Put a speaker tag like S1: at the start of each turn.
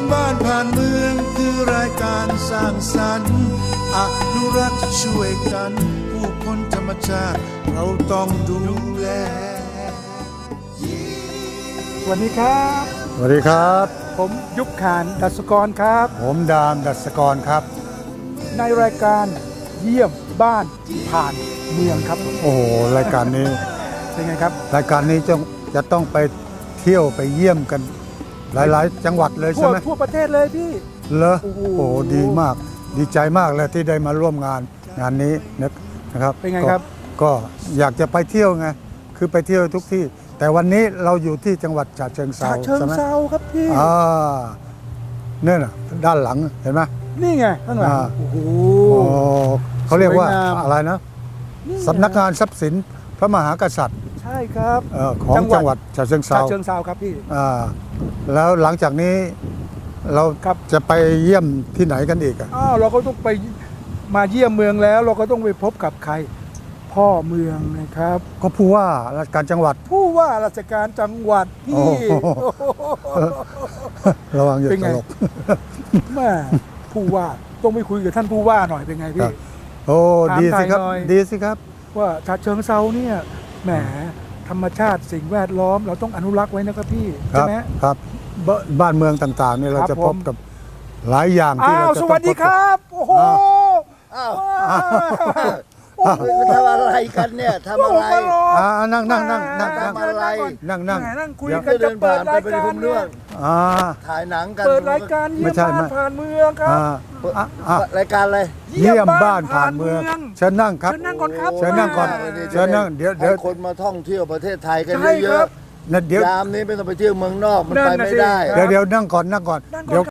S1: บ้านผ่านเมืองคือรายการสร้างสรรค์อนุรักษ์ช่วยกันผู้คนธรรมชาติเราต้องดูแล
S2: สวัสดีครับ
S3: สวัสดีครับ
S2: ผมยุคขานดัชกรครับ
S3: ผมดามดัชกรครับ
S2: ในรายการเยี่ยมบ้านผ่านเมืองครับ
S3: โอ้โหรายการนี้
S2: เป็นไงครับ
S3: รายการนี้จะต้องไปเที่ยวไปเยี่ยมกัน หลายๆ จังหวัดเลยใช่ไหม
S2: ทั่วประเทศเลยพี่
S3: เหรอ
S2: โอ้โห
S3: โอ้โหดีมากดีใจมากเลยที่ได้มาร่วมงานนี้นะครับ
S2: เป็นไงครับ
S3: ก็อยากจะไปเที่ยวไงคือไปเที่ยวทุกที่ แต่วันนี้เราอยู่ที่จังหวัดฉะเชิงเทรา
S2: ฉะเชิง
S3: ใช่ไหม
S2: เทราครับพี่
S3: เนี่ยน่ะด้านหลังเห็นไหม
S2: นี่ไงข้างหลัง
S3: อ่า
S2: โอ้โห
S3: โอ้เขาเรียกว่า
S2: สวยงาม
S3: อะไรนะ
S2: นี่ไง
S3: สำนักงานทรัพย์สินพระมหากษัตริย์
S2: ใช่ครับ
S3: ของจังหวัดฉะเชิงเท
S2: ฉะ
S3: รา
S2: เชิงเทราครับพี่
S3: แล้วหลังจากนี้เรา
S2: ครับ
S3: จะไปเยี่ยมที่ไหนกันอีกอ่ะ
S2: เราก็ต้องไปมาเยี่ยมเมืองแล้ว เราก็ต้องไปพบกับใคร พ่อเมืองนะครับ
S3: ก็ผู้ว่าราชการจังหวัด
S2: ผู้ว่าราชการจังหวัด
S3: โอ้
S2: พี่
S3: โห ระวังอย่า
S2: เป็น
S3: ต
S2: ไง
S3: ลก
S2: แม่ผู้ว่าต้องไปคุยกับท่านผู้ว่าหน่อยเป็นไง
S3: ครั
S2: พี่
S3: บ โอ้
S2: ถาม
S3: ดีสิครับ
S2: ไทยหน่อย
S3: ดีสิครับ
S2: ว่าฉะเชิงเซาเนี่ยแหมธรรมชาติสิ่งแวดล้อมเราต้องอนุรักษ์ไว้นะครับพี่
S3: ค
S2: ใช่
S3: รับ
S2: ไหม
S3: ครับบ้านเมืองต่างๆเนี่ยเรา
S2: ครับ
S3: จะ
S2: ผม
S3: พบกับหลายอย่างที่เราจะ
S2: ส
S3: ต้อง
S2: วัสดี
S3: พบ
S2: ค
S3: กับ
S2: รับโอ้โห
S4: อ้าว
S2: โอ้โห
S4: ทำอะไรกันเนี่ยทำอะไร
S3: นั่งนั่งนั่งนั่ง
S4: ทำอะไร
S3: นั่งนั่ง
S2: แหมนั่งคุย
S3: เดี๋ยว
S2: กันจะเปิดราย
S4: เดิน
S2: กา
S4: ผ่าร นไปเป็น
S2: เนี่ย
S3: อ่า
S4: ถ่ายหนังกัน
S2: เปิดรายการเยี่ยม
S3: ไม่ใช่
S2: บ้าน
S3: ไม่
S2: ผ่านเมืองครับ
S4: รายการอะไร
S3: เยี่ยมบ้านผ่านเมืองเชิญนั่งครับ
S2: เชิญนั่งก่อนครับ
S3: เชิญนั่งก่อน เชิญนั่งเดี๋ยว
S4: ให้คนมาท่องเที่ยวประเทศไทยกัน
S2: ใช่
S4: เย
S2: ครั
S4: อะ
S2: บ
S3: เดี๋ยว
S4: ๆยามนี้ไม่ต้องไปเที่ยวเมืองนอกมัน
S2: นั่น
S4: ไป
S2: น่ะ
S4: ไม่
S2: สิ
S4: ได้
S3: เดี๋ยวนั่งก่อนนั่งก่อน
S2: นั่งก่อน
S3: เดี๋ยว